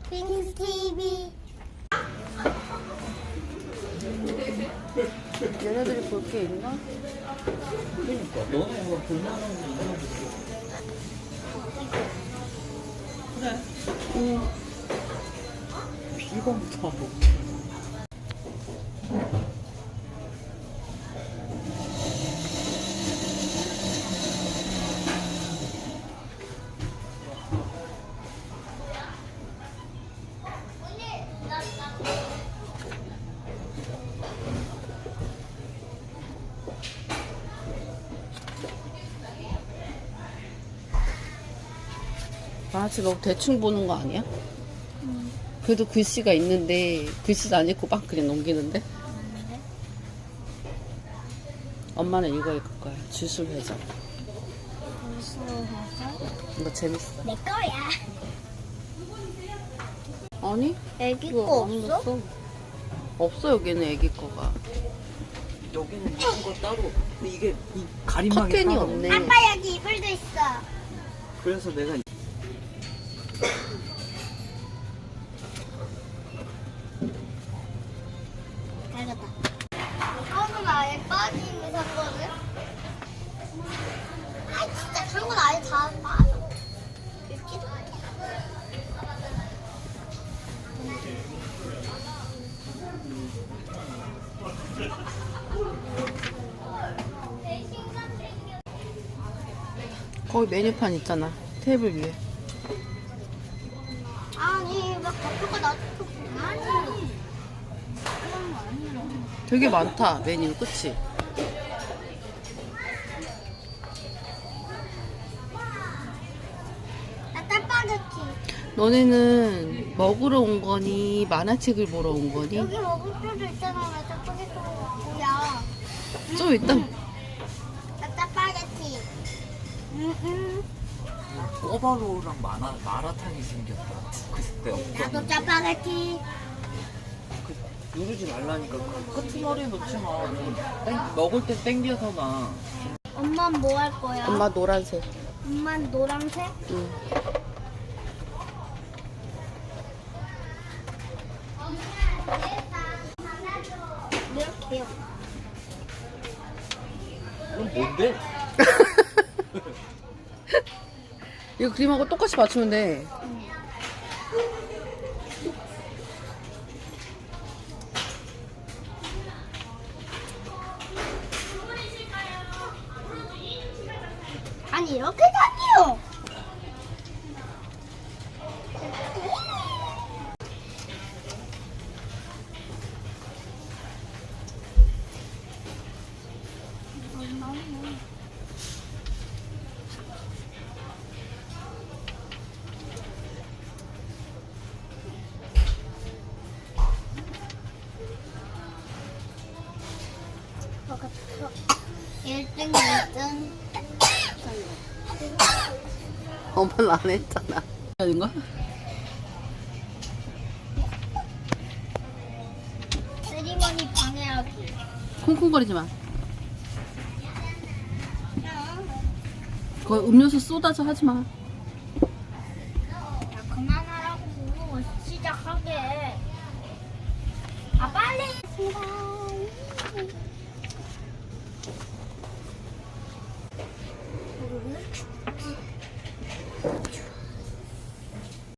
빙스 TV. 얘네들이 볼 게 있나? 그러니까 너네가 볼만한 거 있나 보지. 그래. 응. 비건부터 하고. 만화책 너무 대충 보는 거 아니야? 그래도 글씨가 있는데 글씨도 안 읽고 막 그냥 넘기는데? 엄마는 이거 읽을 거야. 주술회전. 이거 재밌어. 내 거야. 아니? 애기 이거 거 안 없어? 넣었어. 없어 여기는 애기 거가. 여기는 이런 거 따로. 근데 이게 이 가림막이 커튼이 따로. 없네. 아빠 여기 이불도 있어. 그래서 내가 잘갔다. 이거는 아예 빠짐을 샀거든. 아 진짜 그런 건 아예 다 빠져. 읽지도 않아. 거기 메뉴판 있잖아. 테이블 위에. 아니 막 대표가 나도 아니. 되게 많다 메뉴. 그치? 나 짜파게티. 너네는 먹으러 온 거니 만화책을 보러 온 거니? 여기 먹을 수도 있잖아. 나 짜파게티 뭐야? 좀 이따 나 짜파게티. 꼬바로우랑 마라탕이 생겼다. 그때 나도 없던. 짜파게티. 누르지 말라니까. 끄트머리 놓지 마. 먹을 때 땡겨서나. 엄마는 뭐 할 거야? 엄마 노란색. 엄마는 노란색? 응. 이렇게요. 이건 뭔데? 이거 그림하고 똑같이 맞추면 돼. 아니 이렇게 다니요. 먹었어. 1등, 2등. 엄마는 안 했잖아. 아닌가? 세리머니 방해하기. 콩콩거리지 마. 그거 음료수 쏟아져 하지 마. 야 그만하라고 시작하게. 아 빨리.